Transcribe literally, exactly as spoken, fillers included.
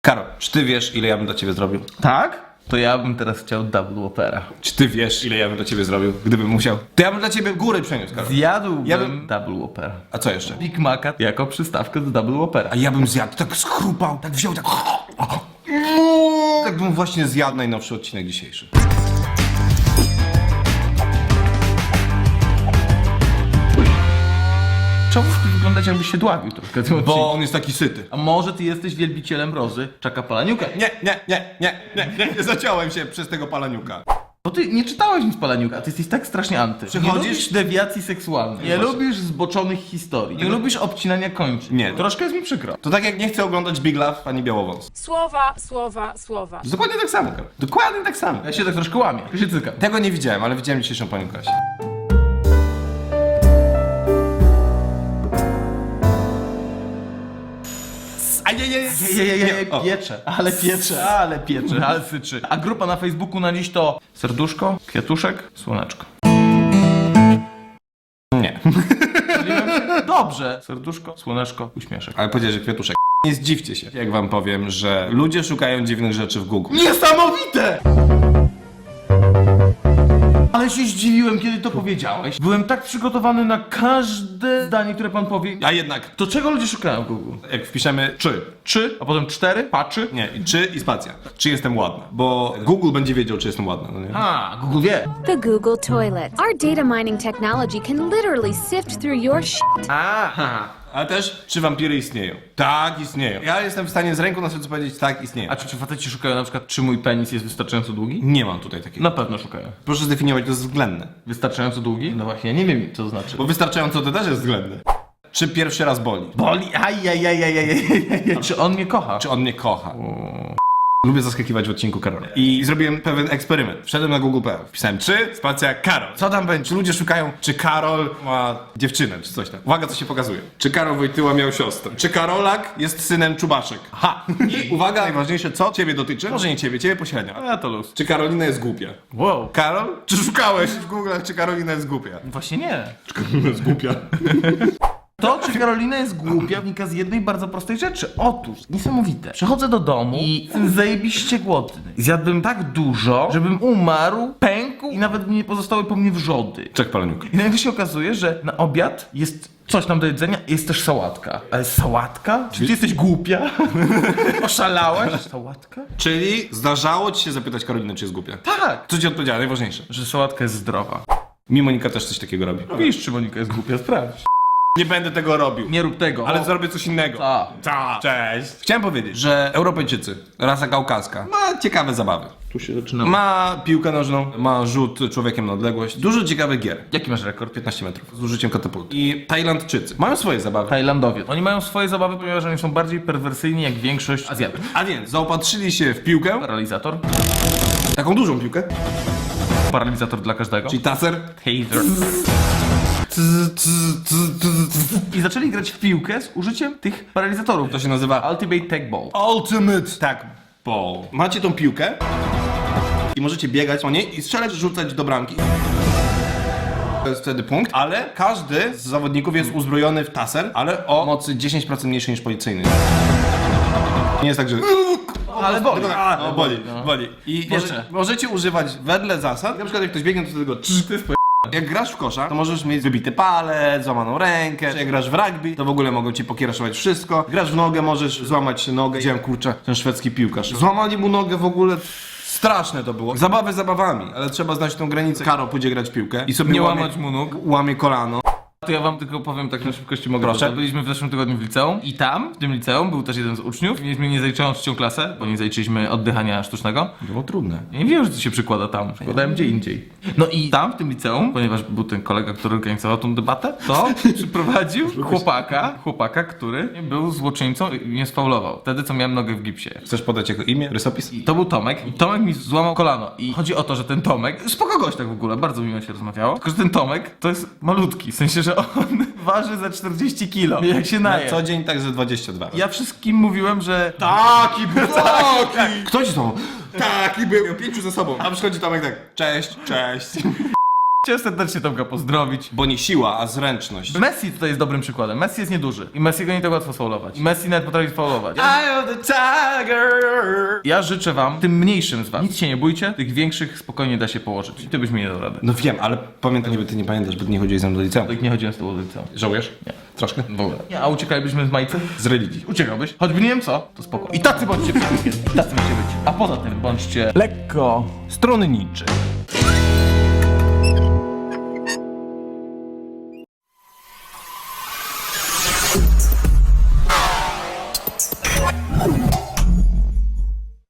Karol, czy ty wiesz, ile ja bym dla ciebie zrobił? Tak? To ja bym teraz chciał double opera. Czy ty wiesz, ile ja bym dla ciebie zrobił, gdybym musiał? To ja bym dla ciebie góry przeniósł, Karol. Zjadłbym Ja bym- double opera. A co jeszcze? Big Maca jako przystawkę do double opera. A ja bym zjadł, tak schrupał, tak wziął, tak... Tak bym właśnie zjadł najnowszy odcinek dzisiejszy. Czemu ty wyglądać jakbyś się dławił troszkę? tym Bo odcinku? on jest taki syty. A może ty jesteś wielbicielem Rozy Czaka Palaniuka? Nie, nie, nie, nie, nie, nie, nie zaciąłem się przez tego palaniuka. Bo ty nie czytałeś nic Palaniuka, ty jesteś tak strasznie anty. Przychodzisz- Nie lubisz dewiacji seksualnej. Nie Właśnie. lubisz zboczonych historii. Nie lubisz obcinania kończyn. Nie. Troszkę jest mi przykro. To tak jak nie chcę oglądać Big Love pani Białowąs. Słowa, słowa, słowa. Dokładnie tak samo, Karol. Dokładnie tak samo. Ja się tak troszkę łamię, ja się cykam. Tego nie widziałem, ale widziałem dzisiejszą panią Kasię. A nie, nie, nie. Je, je, je, je, O. piecze, ale piecze, ale piecze, ale syczy. A grupa na Facebooku na dziś to serduszko, kwiatuszek, słoneczko. Nie. Dobrze. Serduszko, słoneczko, uśmieszek. Ale powiedziałeś, że kwiatuszek. Nie zdziwcie się, jak wam powiem, że ludzie szukają dziwnych rzeczy w Google. Niesamowite! Ale się zdziwiłem, kiedy to powiedziałeś. Byłem tak przygotowany na każde zdanie, które pan powie. A jednak, To czego ludzie szukają w Google? jak wpiszemy czy, Trzy, a potem cztery, patrzy. nie, i czy i spacja. Czy jestem ładna? Bo Google będzie wiedział, czy jestem ładna, no nie? A, Google wie. The Google Toilet. Our data mining technology can literally sift through your shit. Aha. Ale też, czy wampiry istnieją? Tak, istnieją. Ja jestem w stanie z ręką na sercu powiedzieć, tak, istnieją. A czy, czy faceci szukają na przykład, czy mój penis jest wystarczająco długi? Nie mam tutaj takiego. Na pewno szukają. Proszę zdefiniować, to jest względne. Wystarczająco długi? No właśnie, ja nie wiem, co to znaczy. Bo wystarczająco to też jest względne. Czy pierwszy raz boli? Boli, ajajajajajajajaj. Czy on mnie kocha? Czy on mnie kocha? Lubię zaskakiwać w odcinku Karola. I zrobiłem pewien eksperyment. Wszedłem na Google kropka p l. Wpisałem czy, spacja, Karol. Co tam będzie? Czy ludzie szukają, czy Karol ma dziewczynę, czy coś tam. Uwaga, co się pokazuje. Czy Karol Wojtyła miał siostrę? Czy Karolak jest synem Czubaszek? Ha! I uwaga, najważniejsze, co ciebie dotyczy? Może nie ciebie, ciebie pośrednio. A to luz. Czy Karolina jest głupia? Wow. Karol? Czy szukałeś w Google, czy Karolina jest głupia? Właśnie nie. Czy Karolina jest głupia? To, czy Karolina jest głupia, wynika z jednej bardzo prostej rzeczy. Otóż, niesamowite. Przychodzę do domu i jestem zajebiście głodny. Zjadłbym tak dużo, żebym umarł, pękł i nawet nie pozostały po mnie wrzody. Czek paleniuk. I nagle się okazuje, że na obiad jest coś tam do jedzenia, jest też sałatka. Ale sałatka? Czy ty jesteś głupia? Oszalałaś? Sałatka? Czyli zdarzało ci się zapytać Karolinę, czy jest głupia? Tak. Co ci odpowiedziała? Najważniejsze. Że sałatka jest zdrowa. Mi Monika też coś takiego robi. Wiesz, czy Monika jest głupia, sprawdź. Nie będę tego robił. Nie rób tego. Ale O. zrobię coś innego. Ta. Ta. Cześć. Chciałem powiedzieć, że Europejczycy, rasa kaukaska, ma ciekawe zabawy. Tu się zaczyna. Ma piłkę nożną, ma rzut człowiekiem na odległość. Dużo ciekawych gier. Jaki masz rekord? piętnaście metrów z użyciem katapulty. I Tajlandczycy mają swoje zabawy. Tajlandowie. Oni mają swoje zabawy, ponieważ oni są bardziej perwersyjni jak większość Azjatów. A więc zaopatrzyli się w piłkę, Paralizator. taką dużą piłkę, Paralizator dla każdego. czyli taser. Taser. I zaczęli grać w piłkę z użyciem tych paralizatorów. To się nazywa Ultimate Tag Ball. Ultimate Tag Ball. Macie tą piłkę i możecie biegać po niej i strzelać, rzucać do bramki. To jest wtedy punkt, ale każdy z zawodników jest uzbrojony w taser, ale o mocy dziesięć procent mniejszej niż policyjny. Nie jest tak, że... Ale boli. A, no, boli, boli. I Piecze. może, możecie używać wedle zasad. Na przykład jak ktoś biegnie, to tego trz, to jest po... Jak grasz w kosza, to możesz mieć wybity palec, złamaną rękę. Jak grasz w rugby, to w ogóle mogą ci pokieraszować wszystko. Grasz w nogę, możesz złamać nogę. Widziałem, kurczę, ten szwedzki piłkarz. Złamali mu nogę w ogóle. Straszne to było. Zabawy zabawami, ale trzeba znać tą granicę. Karol pójdzie grać w piłkę i sobie Nie łamie, łamać mu nóg. łamie kolano. To ja wam tylko powiem tak na szybkości mogę. Proszę. dodać. Byliśmy w zeszłym tygodniu w liceum i tam, w tym liceum, był też jeden z uczniów. Mieliśmy niezaliczającą trzecią klasę, bo nie zaliczyliśmy oddychania sztucznego. Było trudne. Ja nie wiem, że to się przykłada tam. Przykładałem gdzie indziej. No i tam, w tym liceum, ponieważ był ten kolega, który organizował tą debatę, to przyprowadził chłopaka, chłopaka, który był złoczyńcą i mnie sfaulował. Wtedy, co miałem nogę w gipsie. Chcesz podać jego imię, rysopis? I to był Tomek. I Tomek mi złamał kolano. I chodzi o to, że ten Tomek, spoko gość tak w ogóle, bardzo miło się rozmawiało. Tylko, że ten Tomek to jest malutki. W sensie, że on waży za czterdzieści kilo. Jak się Na naje. co dzień tak ze dwadzieścia dwa. Ja wszystkim mówiłem, że Taki był, taki! Kto ci to? Taki był. Miał pięciu ze sobą. A przychodzi Tomek tak, cześć, cześć. Chciałem serdecznie Tomka pozdrowić. Bo nie siła, a zręczność. Messi tutaj jest dobrym przykładem. Messi jest nieduży. I Messiego nie tak łatwo faulować. I Messi nawet potrafi faulować. Eye of the tiger. Ja życzę wam, tym mniejszym z was, nic się nie bójcie, tych większych spokojnie da się położyć. I ty byś mi nie dał rady. No wiem, ale pamiętaj, żeby ty nie pamiętasz, bo ty nie chodziłeś ze mną do liceum. Tak nie chodziłem z tobą do liceum. Żałujesz? Nie. Troszkę? W ogóle. Nie, a uciekalibyśmy z Majcy? Z religii. Uciekałbyś? Choćby nie wiem co, to spoko. I tacy bądźcie przed I tacy macie być. A poza tym bądźcie Lekko stronniczy.